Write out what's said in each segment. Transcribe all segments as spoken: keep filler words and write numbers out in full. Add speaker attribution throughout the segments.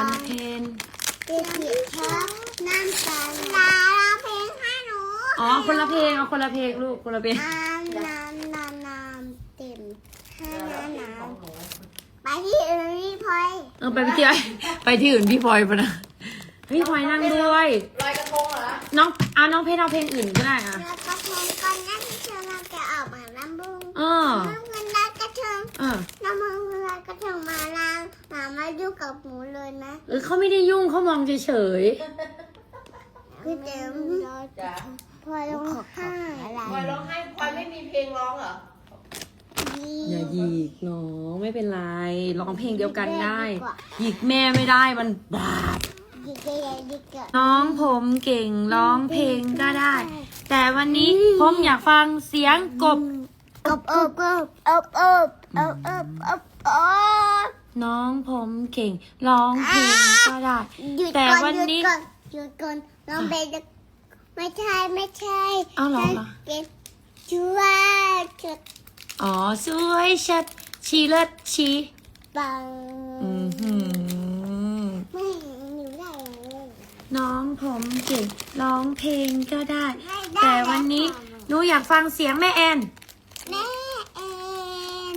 Speaker 1: ฟันเพน
Speaker 2: เด็กเด็กชอบน้ำตาลาเพลงให้หนู
Speaker 1: อ๋อคนละเพลงเอาคนละเพลงลูกคนละเพลง
Speaker 2: น้ำน้ำน้ำน้ำเต็มให้น้ำน้ำไปที่อื่นพี่พลอย
Speaker 1: เออไปที่ไหนไปที่อื่นพี่พลอยปะนะพี่พลอยนั่งด้วย
Speaker 3: ลอยกระทงเหรอ
Speaker 1: น้องเอาน้องเพชรเอาเพลงอื่นก็ได้อ่ะ
Speaker 2: แล้วกระทงก่อนนั่นเชิญเราจะออกมาลำบุง
Speaker 1: เออ
Speaker 2: น้ำเงินได้กระทง
Speaker 1: เออ
Speaker 2: น้ำมันเงินกระทงมาล้างหมามายุ่งกับหมูเลยนะ
Speaker 1: เออเขาไม่ได้ยุ่งเขามองเฉย
Speaker 2: คือเต็ม
Speaker 3: จ้ะ
Speaker 2: พลอยร้องไห้อะไร
Speaker 3: พลอยร้องไห้พลอยไม่มีเพลงร้องเหรอ
Speaker 1: ๆอย่าหยิกน้องไม่เป็นไรร้องเพลงเดียวกันได้หยิกแม่ไม่ได้มันบาป
Speaker 2: ดิเกยดิเกย
Speaker 1: น้องผมเก่งร้องเพลงก็ได้ แต่วันนี้ผมอยากฟังเสียงกบ
Speaker 2: อบอบอบอบอบอบอบอบอบ
Speaker 1: น้องผมเก่งร้องเพลงก็ได้
Speaker 2: หยุด
Speaker 1: แต่
Speaker 2: ก่อน
Speaker 1: วัน
Speaker 2: หยุด
Speaker 1: นี้
Speaker 2: ก่อนหยุดก่อนน้องเบนไม่ใช่ไม่ใช่
Speaker 1: เอาเหรอเหรอ
Speaker 2: เป็นช่วยจุด
Speaker 1: อ๋อสวยชัดชีเลิศชี
Speaker 2: ปัง
Speaker 1: อือหือ
Speaker 2: ไม่หนูได้เลย
Speaker 1: น้องผมเก่งร้องเพลงก็ได้
Speaker 2: ไม่ได้
Speaker 1: แต่วันนี้หนูอยากฟังเสียงแม่แอน
Speaker 2: แม่เอ็น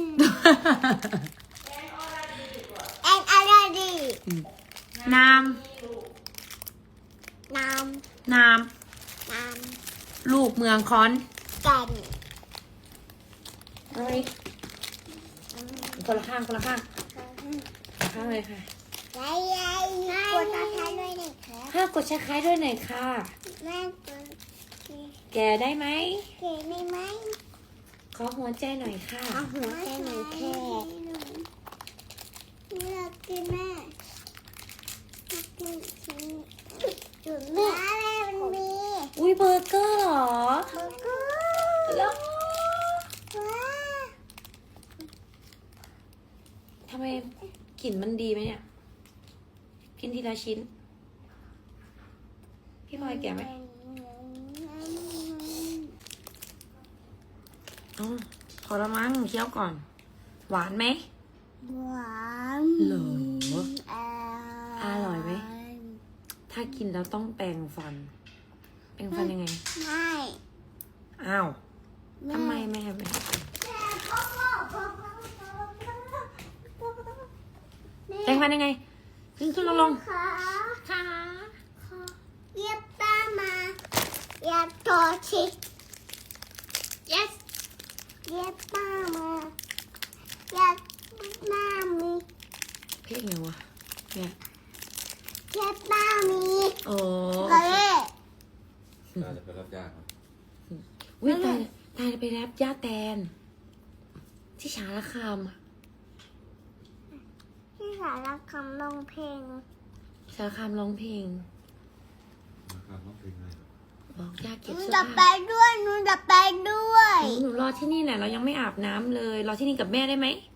Speaker 2: แอนอะไรดี
Speaker 1: นาม
Speaker 2: น้
Speaker 1: นาม
Speaker 2: ำน้
Speaker 1: ลูกเมืองคอน
Speaker 2: ำกัน
Speaker 1: เอาอีกคนละข้างคนละข้างคนละข้างเลยค่ะ
Speaker 2: ยายยายกดตาท้ายด้วยหน่อยครับ
Speaker 1: ห้ากดแชร์คล้ายด้วยหน่อยค่ะ
Speaker 2: แม่กด
Speaker 1: แกได้ไหม
Speaker 2: เก๋ได้ไหม
Speaker 1: ขอหัวใจหน่อยค่ะ
Speaker 2: เอาหัวใจหน่อยแค่เลือกกินแม่กินชิ้นจุดแม่แม่มันมี
Speaker 1: อุ้ยเบอร์เกอร์เหรอ
Speaker 2: เบอร์เกอ
Speaker 1: แล้ว
Speaker 2: ร์ว้า
Speaker 1: ทำไมกลิ่นมันดีไหมเนี่ย กินทีละชิ้น พี่พลอยแกะไหมอ๋อพอละมั้งเคี้ยวก่อน หวานไหม
Speaker 2: หวาน
Speaker 1: เหรอ
Speaker 2: อ
Speaker 1: อร่อยไหม ถ้ากินแล้วต้องแปรงฟัน แปรงฟันยังไง
Speaker 2: ไม่
Speaker 1: อ้าวทำไมแม่ไม่ แปรงฟันยังไง ขึ้นขึ้นลงลง
Speaker 2: ขา
Speaker 1: ค่ะ
Speaker 2: เย็บป้ามาเย็บโตชิ
Speaker 1: yes
Speaker 2: เย็บป้ามาเย็บหน้ามี
Speaker 1: เพลงไงวะเนี่ย
Speaker 2: เย็บป้ามี
Speaker 1: โอ้
Speaker 2: ก็เลย
Speaker 4: เราจะไปรับยากครับ
Speaker 1: วิตายตายไปรับย่าแตน ที่ฉารคามอะ
Speaker 2: ที่สารคำลงเพลง
Speaker 1: ฉารคามร้องเพลง
Speaker 4: นะครับน้องเพลงอะไรครับ
Speaker 1: บอกย่า
Speaker 2: ห
Speaker 1: เก็บ
Speaker 2: นู
Speaker 1: เสื้อ
Speaker 2: จะไป
Speaker 1: ผ้า
Speaker 2: ด้วยหนูจะไปด้วย
Speaker 1: หนูรอที่นี่แหละเรายังไม่อาบน้ำเลย รอที่นี่กับแม่ได้ไหม
Speaker 2: ไ